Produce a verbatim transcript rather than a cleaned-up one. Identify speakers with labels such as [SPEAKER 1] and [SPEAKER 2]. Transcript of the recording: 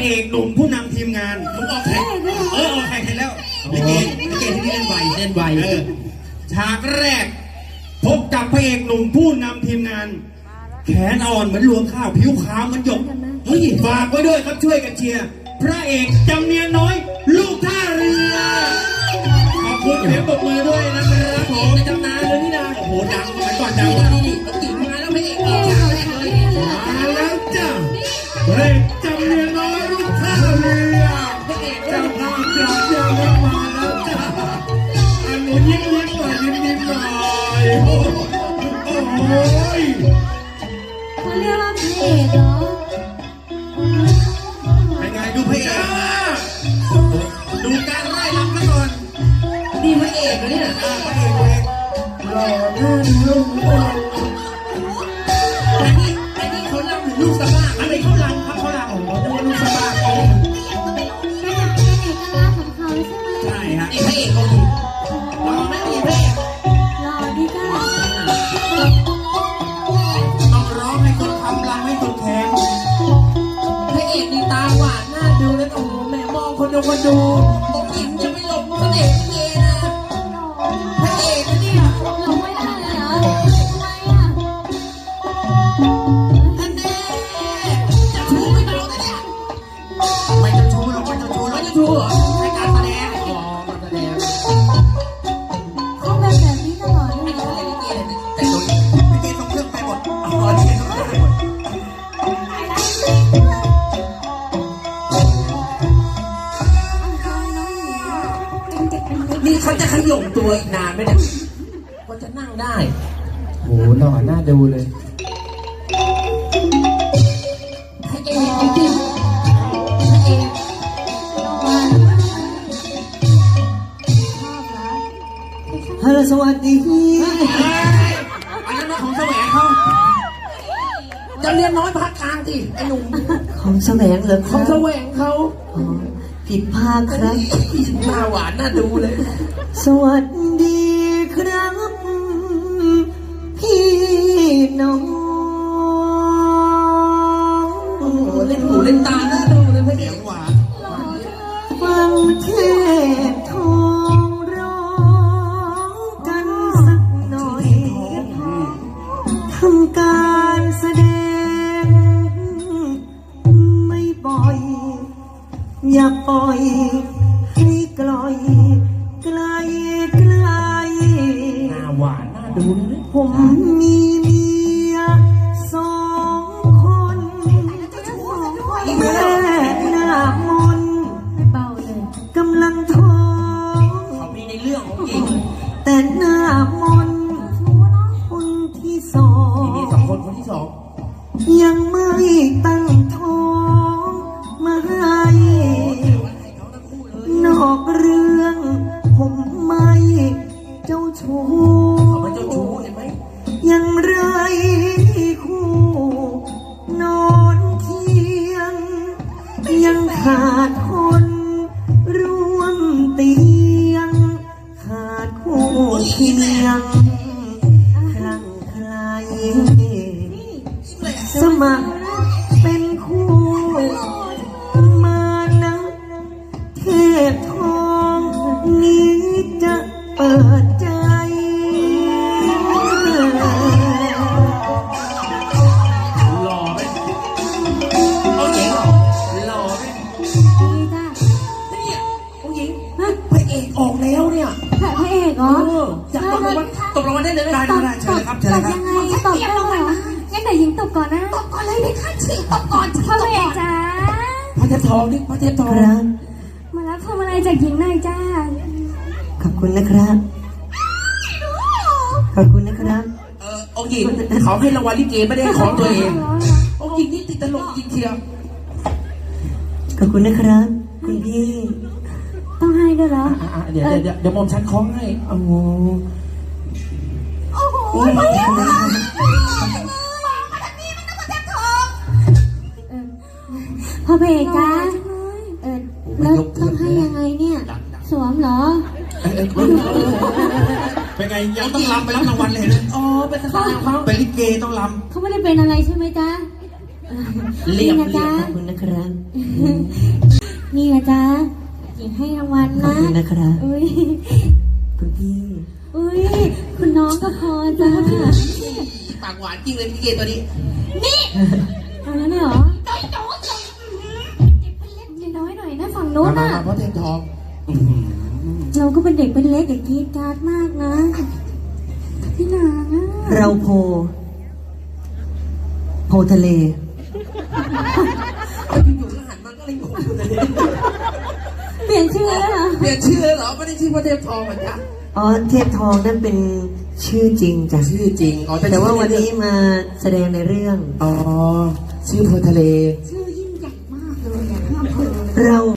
[SPEAKER 1] อกหนุ่มผู้นำทีมงานมึงออกแข่งเออออกแข่งเห็นแล้วลิเกลิเกที่นี่เล่นไวเล่นไวเออฉากแรกพบกับพระเอกหนุ่มผู้นำทีมงานแขนอ่อนเหมือนรวงข้าวผิวขาวเหมือนหยกเฮ้ยฝากไว้ด้วยครับช่วยกันเชียร์พระเอกจำเนียนน้อยลูกท่าเรือขอบคุณเสียงปรบมือด้วยนะครับผมในตำนานเลยนี่นะโอ้โหดังไปก่อนดังว่านี่นี่ติดมาแล้วพระเอกออกฉากแรกเลยมาแล้วจ้ะพระเอกจำเนียนน้อยลูกท่าเรือพระเอกเจ้าภาพยอดเยี่ยมมาแล้วจ้ะอันนี้ยิ้มยิ้มหน่อยยิ้มยิ้มหน่อยโอ้ย
[SPEAKER 2] เขาเรียกว่าพระเอกเหรอ
[SPEAKER 1] เป็นไงดูพระเอกดูการไล่ลำกันก่อนนี่พระเอกเนี่ยพระเอกเองหล่อหน้าดูอันนี้อันนี้เขาลำหรือลูกสะบ้าอะไรเขาลำครับเขาลำของเขาลูกสะบ้าเขา
[SPEAKER 2] เป็นเอกลักษณ์ของเขาใช่ไหม
[SPEAKER 1] ใช่ฮะนี่พระเอกเขาดีหล่อไม่มีพระเอก
[SPEAKER 2] หล่อดีจ้า
[SPEAKER 1] ต้องร้องให้คนคำลำให้คนแข็งพระเอกนี่ตาหวานน่าดูแล้วโอ้โหแม่มองคนดูคนดูผมหญิงจะไม่หลงเสน่ห์เย่นะพระเอกเนี่ย
[SPEAKER 2] หล่อไม่ได้เหรอทำไมอ่ะ
[SPEAKER 1] ท่านแน่จะชูไม่เบาเลยเนี่ยไม่จะชูหรอกไม่จะชูไม่จะชูเหรอให้การแสดงอ๋อการแสดง
[SPEAKER 2] เขาเป็นแบบนี้ตลอดเลย
[SPEAKER 1] แต่ตัวนี้ลิเกส่งเครื่องไปหมดอ๋อลิเกส่งเครื่องไปหมดนี่เขาจะขย่มตัวอีกนานไหมเนี่ยก็จะนั่งได้โหหล่อหน้าดูเลยพระเอกพระเอก
[SPEAKER 3] ฮัลโหลสวัสดี
[SPEAKER 1] อันนั้นของแสวงเขาจะเรียนน้อยพักกลางสิไอ้หนุ่ม
[SPEAKER 3] ของแสวงเหรอ
[SPEAKER 1] ของแสวงเขา
[SPEAKER 3] ผิดพลาดครับ
[SPEAKER 1] หน้าหวานน่าดูเลย
[SPEAKER 3] สวัสดีครับพี่น้อง
[SPEAKER 1] โอ้โหเล่นหูเล่นตาน่าดูเลยพระเอกหวาน
[SPEAKER 3] ฟังเทพทองร้องกันสักหน่อยทำการแสดงไม่บ่อยอย่าปล่อยให้กลอยไกลไกล
[SPEAKER 1] หน้าหวานน่าดูเลย
[SPEAKER 3] ผมมีเมียสองคนแม่หน้ามน
[SPEAKER 2] เบาเลย
[SPEAKER 3] กำลังท้อง
[SPEAKER 1] เขามีในเรื่องของจริง
[SPEAKER 3] แต่หน้ามนคนที่สอง
[SPEAKER 1] มีสองคนคนที่สอง
[SPEAKER 3] ยังไม่ตั้งท้องมาให้นอกเรื่องผมไม่เจ้าชู้
[SPEAKER 1] เขาไม่เจ้าชู้เห็นไหม
[SPEAKER 3] ยังไรคู่นอนเคียงยังขาดคนร่วมเตียงขาดคู่เคียงคลั่งไคล้สมัครเป็นคู่มานะเทพทองนี้จะเปิดใจ
[SPEAKER 1] หล่อไหมเอาหญิงหล่อไหม
[SPEAKER 2] ดีจ้า
[SPEAKER 1] เนี่ยเอาหญิงพระเอกออกแล้วเนี่ย
[SPEAKER 2] พระเอกเหรอ
[SPEAKER 1] จะตบรางวัลตบรางวัลได้เลยไหมได้ได้เชิญเลยครับเชิญเลยครับ
[SPEAKER 2] ยังไงตบได้เหรองั้นเดี๋ยวหญิงตบก่อนนะตบก่อนเลยไม่ค่าฉีกตบก่อนพระเอกจ้า
[SPEAKER 1] พระเทพทองนี่พระเทพทอง
[SPEAKER 2] มาแล้วทำอะไรจากหญิงหน่อยจ้า
[SPEAKER 3] ขอบคุณนะครับขอบคุณนะครับ
[SPEAKER 1] เออองค์หญิงเขาให้รางวัลลิเกไม่ได้ของตัวเององค์หญิงนี่ติดตลกจริงเชียว
[SPEAKER 3] ขอบคุณนะครับคุณพี่
[SPEAKER 2] ต้องให้ด้วยเหรอ
[SPEAKER 1] เดี๋ยวเดี๋ยวเดี๋ยวมอมฉันคล้องให้โอ้โห
[SPEAKER 2] โอ้โหพ่อเบกจ้าเออแล้วต้องให้ยังไงเนี่ยสวมเหรอ
[SPEAKER 1] เป็นไงยังต้องรำไปรับรางวัลเลยนะอ๋อเป็นทหารเขาเป็นลิเกต้องรำ
[SPEAKER 2] เขาไม่ได้เป็นอะไรใช่ไหมจ๊ะ
[SPEAKER 1] เรียบ
[SPEAKER 2] นะจ๊ะ
[SPEAKER 3] ขอบคุณนะครับ
[SPEAKER 2] นี่นะจ๊ะหญิงให้รางวัล
[SPEAKER 3] ขอบ
[SPEAKER 2] นะ
[SPEAKER 3] คุณนะครับ
[SPEAKER 2] อุ้ย
[SPEAKER 3] คุณพี่
[SPEAKER 2] อุ้ยคุณน้องก็พอจ้า
[SPEAKER 1] ปากหวานจริงเลยพี่เกตัวนี้
[SPEAKER 2] เอาแล้วเนี่ยเหรอน้อยๆหน่อยนะฝั่งโน้น
[SPEAKER 1] มา
[SPEAKER 2] น่ะ
[SPEAKER 1] มาเพราะเทมทอง
[SPEAKER 2] เราก็เป็นเด็กเป็นเล็กอย่ากรีดกราดมากนะพี่นางอะ
[SPEAKER 3] เราโพ โพทะเล
[SPEAKER 1] อยู่ๆก็หันมาก็เลยงงเลย
[SPEAKER 2] เปลี่ยนชื่อแล้วเหรอ
[SPEAKER 1] เปลี่ยนชื่อเลยเหรอไม่ได้ชื่อพระเทมทองเหมือนกัน
[SPEAKER 3] อ๋อ เทพทองนั่นเป็นชื่อจริงจ้ะ
[SPEAKER 1] ชื่อจริงอ๋อเป็น
[SPEAKER 3] แต่ว่าวันนี้มาแสดงในเรื่อง
[SPEAKER 1] อ๋อชื่อโพทะเล
[SPEAKER 2] ชื่อยิ่งใหญ่มากเลยอะอำเภอ
[SPEAKER 3] เรา